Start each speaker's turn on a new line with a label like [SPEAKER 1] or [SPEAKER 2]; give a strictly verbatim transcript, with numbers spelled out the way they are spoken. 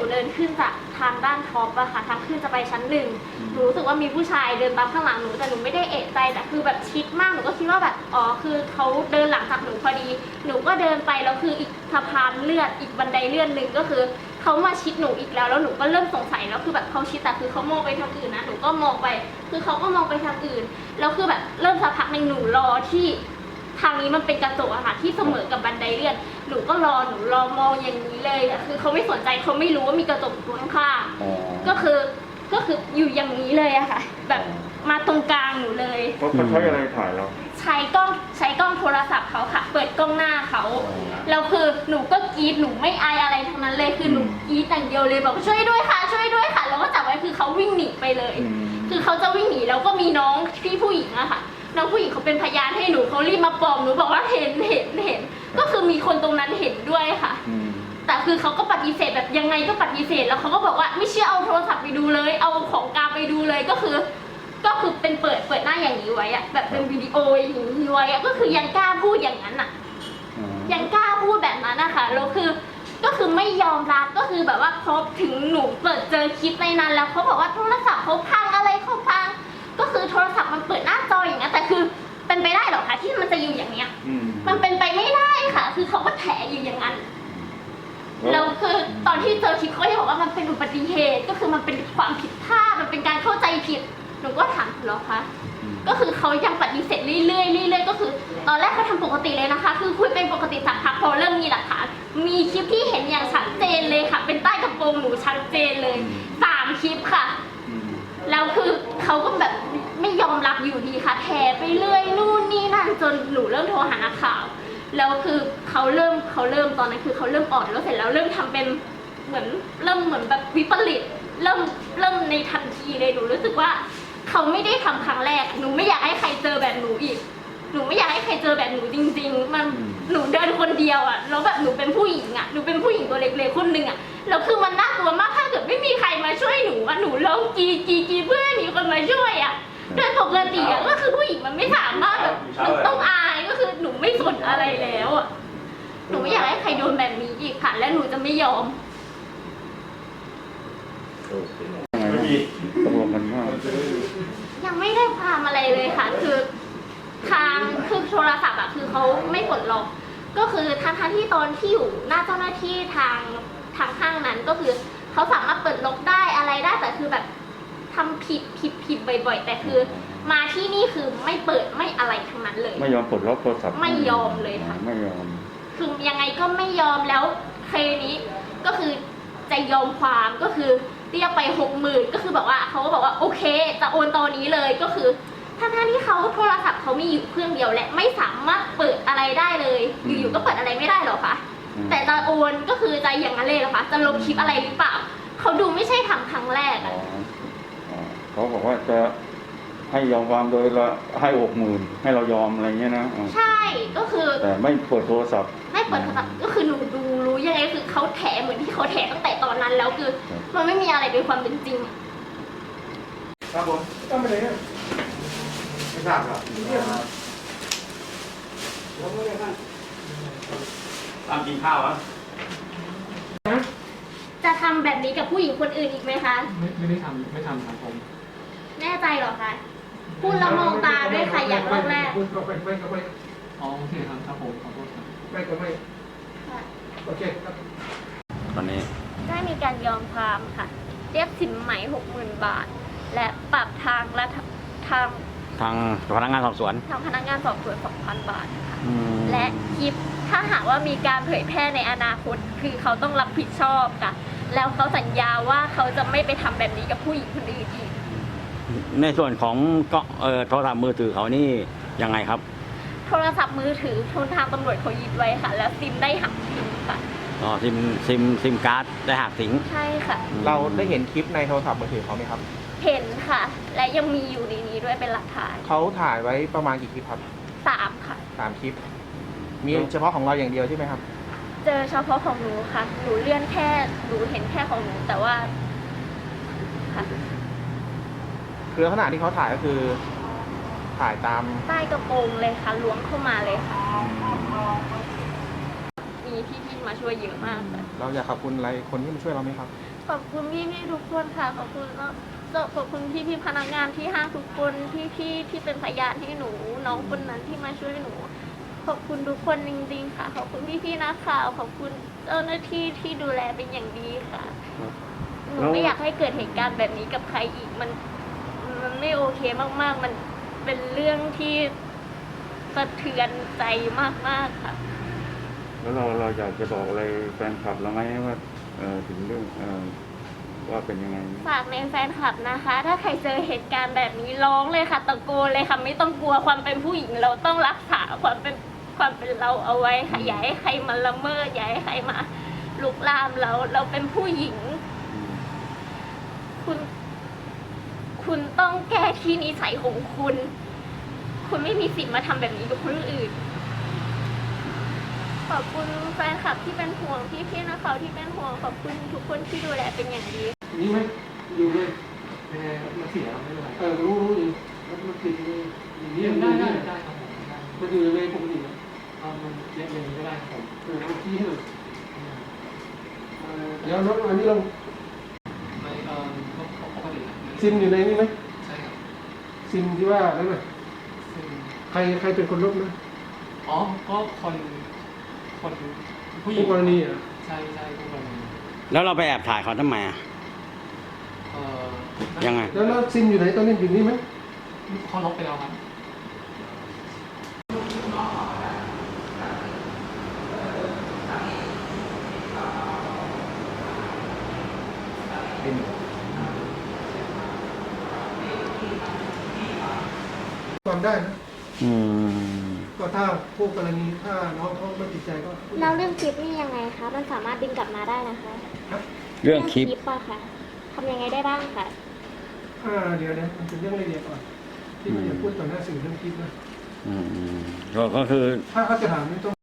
[SPEAKER 1] เดินขึ้นจากทางด้านท็อปอะค่ะทางขึ้นจะไปชั้นหนึ่งหนูรู้สึกว่ามีผู้ชายเดินตามข้างหลังหนูแต่หนูไม่ได้เอะใจแต่คือแบบชิดมากหนูก็คิดว่าแบบอ๋อคือเขาเดินหลังจากหนูพอดีหนูก็เดินไปแล้วคืออีกสะพานเลื่อนอีกบันไดเลื่อนหนึ่งก็คือเขามาชิดหนูอีกแล้วแล้วหนูก็เริ่มสงสัยแล้วคือแบบเขาชิดแต่คือเขามองไปทางอื่นนะหนูก็มองไปคือเขาก็มองไปทางอื่นแล้วคือแบบเริ่มสักพักหนึ่งหนูรอที่ทางนี้มันเป็นกระจกอะค่ะที่เสมอกับบันไดเลื่อนหนูก็รอหนูรอมองอย่างนี้เลยอะคือเขาไม่สนใจเขาไม่รู้ว่ามีกระจกอยู่ข้างๆก็คือก็คืออยู่อย่างนี้เลยอะค่ะแบบมาตรงกลางหนูเลย
[SPEAKER 2] เขาใช้อะไรถ่ายเรา
[SPEAKER 1] ใช้กล้องใช้กล้องโทรศัพท์เขาค่ะเปิดกล้องหน้าเขาแล้วคือหนูก็กรี๊ดหนูไม่อายอะไรทั้งนั้นเลยคือหนูกรี๊ดอย่างเดียวเลยบอกช่วยด้วยค่ะช่วยด้วยค่ะแล้วก็จับไว้คือเขาวิ่งหนีไปเลยคือเขาจะวิ่งหนีแล้วก็มีน้องพี่ผู้หญิงอะค่ะน้องผู้หญิงเขาเป็นพยานให้หนูเขารีบมาปลอบหนูบอกว่าเห็นเห็นเห็นก็คือมีคนตรงนั้นเห็นด้วยค่ะแต่คือเขาก็ปฏิเสธแบบยังไงก็ปฏิเสธแล้วเขาก็บอกว่าไม่เชื่อเอาโทรศัพท์ไปดูเลยเอาของกลางไปดูเลยก็คือก็คือเป็นเปิดเปิดหน้าอย่างนี้ไว้อะแบบเป็นวิดีโออย่างนี้ไว้อะก็คือยังกล้าพูดอย่างนั้นอะยังกล้าพูดแบบนั้นนะคะแล้วคือก็คือไม่ยอมรับก็คือแบบว่าพอถึงหนูเปิดเจอคลิปในนั้นแล้วเขาบอกว่าโทรศัพท์เขาพังอะไรเขาพังก็คือโทรศัพท์มันเปิดหน้าจออย่างนี้แต่คือเป็นไปได้หรอคะที่มันจะอยู่อย่างเนี้ยมันเป็นไปไม่ได้ค่ะคือเขาก็แถอยู่อย่างนั้นแล้วคือตอนที่เจอคลิปเขาจะบอกว่ามันเป็นอุบัติเหตุก็คือมันเป็นความผิดพลาดมันเป็นการเข้าใจผิดหนูก็ถามเหรอคะก็คือเขายังปฏิเสธเรื่อยๆเรื่อยๆก็คือตอนแรกเขาทำปกติเลยนะคะคือคุยเป็นปกติสักพักพอเริ่มมีหลักฐานมีคลิปที่เห็นอย่างชัดเจนเลยค่ะเป็นใต้กระโปรงหนูชัดเจนเลยสามคลิปค่ะแล้วคือเขาก็แบบไม่ยอมรับอยู่ดีค่ะแถไปเรื่อยนู่นนี่นั่นจนหนูเริ่มโทรหานักข่าวแล้วคือเขาเริ่มเขาเริ่มตอนนั้นคือเขาเริ่มอ่อนแล้วเสร็จแล้วเริ่มทำเป็นเหมือนเริ่มเหมือนแบบวิปริตเริ่มเริ่มในทันทีเลยหนูรู้สึกว่าเขาไม่ได้ทำครั้งแรกหนูไม่อยากให้ใครเจอแบบหนูอีกหนูไม่อยากให้ใครเจอแบบหนูจริงๆมันหนูเดินคนเดียวอ่ะแล้วแบบหนูเป็นผู้หญิงอ่ะหนูเป็นผู้หญิงตัวเล็กๆคนหนึ่งอ่ะแล้วคือมันน่ากลัวมากถ้าเกิดไม่มีใครมาช่วยหนูอ่ะหนูร้องกีกีกีเพื่อให้มีคนมาช่วยอ่ะโดยปกติอ่ะก็คือผู้หญิงมันไม่สามารถแบบมันต้องอายก็คือหนูไม่สนอะไรแล้วอ่ะหนูไม่อยากให้ใครโดนแบบนี้อีกค่ะและหนูจะไม่ยอม
[SPEAKER 2] ไม่มีตกลงกันว่า
[SPEAKER 1] ยังไม่ได้ความอะไรเลยค่ะคือทางคือโทรศัพท์อะคือเขาไม่ปลดล็อกก็คือทางทางที่ตอนที่อยู่หน้าเจ้าหน้าที่ทางทางข้างนั้นก็คือเขาสามารถเปิดล็อกได้อะไรได้แต่คือแบบทำผิดผิดผิดบ่อยๆแต่คือมาที่นี่คือไม่เปิดไม่อะไรทั้งนั้นเลย
[SPEAKER 2] ไม่ยอมปลดล็อกโทรศัพท์
[SPEAKER 1] ไม่ยอมเลยค่ะ
[SPEAKER 2] ไม่ยอม
[SPEAKER 1] คือยังไงก็ไม่ยอมแล้วเคสนี้ก็คือจะยอมความก็คือเรียกไปหกหมื่นก็คือแบบว่าเขาก็บอกว่าโอเคจะโอนตอนนี้เลยก็คือทั้งที่เขาโทรศัพท์เขามีอยู่เครื่องเดียวและไม่สามารถเปิดอะไรได้เลยอยู่ๆก็เปิดอะไรไม่ได้หรอคะแต่จะโอนก็คือจะอย่างนั้นเลยหรอคะจะลบคลิปอะไรหรือเปล่าเขาดูไม่ใช่ทำครั้งแรกอ่ะ
[SPEAKER 2] เขาบอกว่าจะให้ยอมความโดยละให้หกหมื่นให้เรายอมอะไรเงี้ยนะ
[SPEAKER 1] ใช่ก็คือ
[SPEAKER 2] แต่ไม่เปิดโทรศัพท์
[SPEAKER 1] ไม่เปิดโทรศัพท์ก็คือหนูดูรู้ยังไงคือเขาแถเหมือนที่เขาแถตั้งแต่ตอนนั้นแล้วคือมันไม่มีอะไรเป็นความเป็นจริง
[SPEAKER 3] ครับผมต้องไปเลยไม่ทราบครับตามกินข้าวอ่ะ
[SPEAKER 1] จะทำแบบนี้กับผู้หญิงคนอื่นอีกไหมคะ
[SPEAKER 4] ไม่ไม่ได้ทำไม่ทำครับผม
[SPEAKER 1] แน่ใจหรอคะพูดแล้วมองตาด้วยค่ะอย่างแรก
[SPEAKER 3] พูดก็ไม่ไม่ก็ไม่
[SPEAKER 4] อ๋อโอเคครับครับผมขอโทษครับ
[SPEAKER 3] ไม่ก็ไม่โอเคครับ
[SPEAKER 2] ตอนนี้
[SPEAKER 1] ได้มีการยอมความค่ะเรียกสินไหมหกหมื่นบาทและปรับทางและทาง
[SPEAKER 2] ทางพนักงานสอบสวน
[SPEAKER 1] ทางพนักงานสอบสวนสองพันบาทค่ะและคลิปถ้าหากว่ามีการเผยแพร่ในอนาคตคือเขาต้องรับผิดชอบค่ะแล้วเขาสัญญาว่าเขาจะไม่ไปทำแบบนี้กับผู้หญิงคนอื่นอีก
[SPEAKER 2] ในส่วนของก็เอ่อโทรศัพท์มือถือเขานี่ยังไงครับ
[SPEAKER 1] โทรศัพท์มือถือทุนทางตำรวจเขายึดไว้ค่ะแล้วซิมได้หักทิ้งค่ะ
[SPEAKER 2] อ๋อซิมซิมซิมการ์ดได้หักทิ้ง
[SPEAKER 1] ใช่ค่ะ
[SPEAKER 3] เราได้เห็นคลิปในโทรศัพท์มือถือเขาไหมครับ
[SPEAKER 1] เห็นค่ะและยังมีอยู่ในนี้ด้วยเป็นหลักฐาน
[SPEAKER 3] เขาถ่ายไว้ประมาณกี่คลิปครับ
[SPEAKER 1] สามค่ะ
[SPEAKER 3] สามคลิปมีเฉพาะของเราอย่างเดียวใช่ไหมครับ
[SPEAKER 1] เจอเฉพาะของหนูค่ะหนูเลื่อนแค่หนูเห็นแค่ของหนูแต่ว่าค่ะ
[SPEAKER 3] คือลักษณะที่เขาถ่ายก็คือถ่ายตาม
[SPEAKER 1] ใต้กระโปรงเลยค่ะล้วงเข้ามาเลยค่ะนีมีพี่ๆมาช่วยเยอะมากค่ะ
[SPEAKER 3] เราอยากขอบคุณอะไรคนที่มาช่วยเราไหมครับ
[SPEAKER 1] ขอบคุณพี่ๆทุกคนค่ะขอบคุณเนาะขอบคุณพี่ๆพนักงานที่ห้างทุกคนพี่ๆที่เป็นพยานให้หนูน้องคนนั้นที่มาช่วยหนู ขอบคุณทุกคนจริงๆค่ะ ขอบคุณพี่ๆนักข่าวขอบคุณเจ้าหน้าที่ที่ดูแลเป็นอย่างดีค่ะ หนูไม่อยากให้เกิดเหตุการณ์แบบนี้กับใครอีกมันมันไม่โอเคมากๆ มันเป็นเรื่องที่สะเทือนใจมากๆค่ะ
[SPEAKER 2] แล้วเราเราอยากจะบอกอะไรแฟนคลับเราไหมว่าเออถึงเรื่องเออว่าเป็นยังไง
[SPEAKER 1] ฝากในแฟนคลับนะคะ ถ้าใครเจอเหตุการณ์แบบนี้ร้องเลยค่ะตะโกนเลยค่ะไม่ต้องกลัวความเป็นผู้หญิงเราต้องรักษาความเป็นความเป็นเราเอาไว้ค่ะอย่าให้ใครมาละเมิดอย่าให้ใครมาลุกลามเราเราเป็นผู้หญิง คุณ คุณต้องแก้ที่นิสัยของคุณ คุณไม่มีสิทธิ์มาทำแบบนี้กับคนอื่น ขอบคุณแฟนคลับที่เป็นห่วงพี่พี่ๆนักข่าวที่เป็นห่วงขอบคุณทุกคนที่ดูแลเป็นอย่างดี
[SPEAKER 3] นี่ไหมอยู่เลย
[SPEAKER 4] ยังไงมาเสียไม่เป็นไร
[SPEAKER 3] เออรู้รู้อยู่แล้วมันคืออย่างนี้
[SPEAKER 4] ได้
[SPEAKER 3] ได้
[SPEAKER 4] ได้
[SPEAKER 3] ได้
[SPEAKER 4] ได้ครับผมได้
[SPEAKER 3] มันอยู่ในเวรปกตินะ
[SPEAKER 4] เอามันเย็บอย่างนี้ก็ได้ครับผม
[SPEAKER 3] เออเอาที่ให้หน่อยเออเดี๋ยวน้องอันนี้เรา
[SPEAKER 4] ไม่เออก็ปกตินะ
[SPEAKER 3] ซิมอยู่ในนี้ไหม
[SPEAKER 4] ใช่ครับ
[SPEAKER 3] ซิมที่ว่านั่นน่ะ
[SPEAKER 4] ซึ่ง
[SPEAKER 3] ใครใครเป็นคนลบนะ
[SPEAKER 4] อ๋อก็คนคนผู้หญิ
[SPEAKER 3] ผู้
[SPEAKER 4] ง
[SPEAKER 3] กรณีอ่ะ
[SPEAKER 4] ใช่ใช่ผู้กรณี
[SPEAKER 5] แล้วเราไปแอบถ่ายเขาทำไมอ่ะ
[SPEAKER 4] เอ่อ
[SPEAKER 5] ยังไง
[SPEAKER 3] แล้วแล้วซิมอยู่ไหนตอนนี้อยู่นี่ไหม
[SPEAKER 4] เขาลบไปแล้วครับ
[SPEAKER 3] ความได้นะ
[SPEAKER 5] อืม
[SPEAKER 3] ก็ถ้าผู้กรณีถ้าน้องเขาไม่ติดใจก็
[SPEAKER 1] แล้วเรื่องคลิปนี่ยังไงคะ มันสามารถดึงกลับมาได้นะคะ
[SPEAKER 5] เรื่องคลิป
[SPEAKER 1] อะค่ะทำยังไงได้บ้างคะ
[SPEAKER 3] อ่าเดี๋ยวนะมันเป็นเรื่องละเอียดก่อนที่ไม่อยากพูดต่อหน้าสื่อเรื่องคลิปนะ
[SPEAKER 5] อืมอืมก็ก็คือ
[SPEAKER 3] ถ้าเขาจะถามไม่ต้อง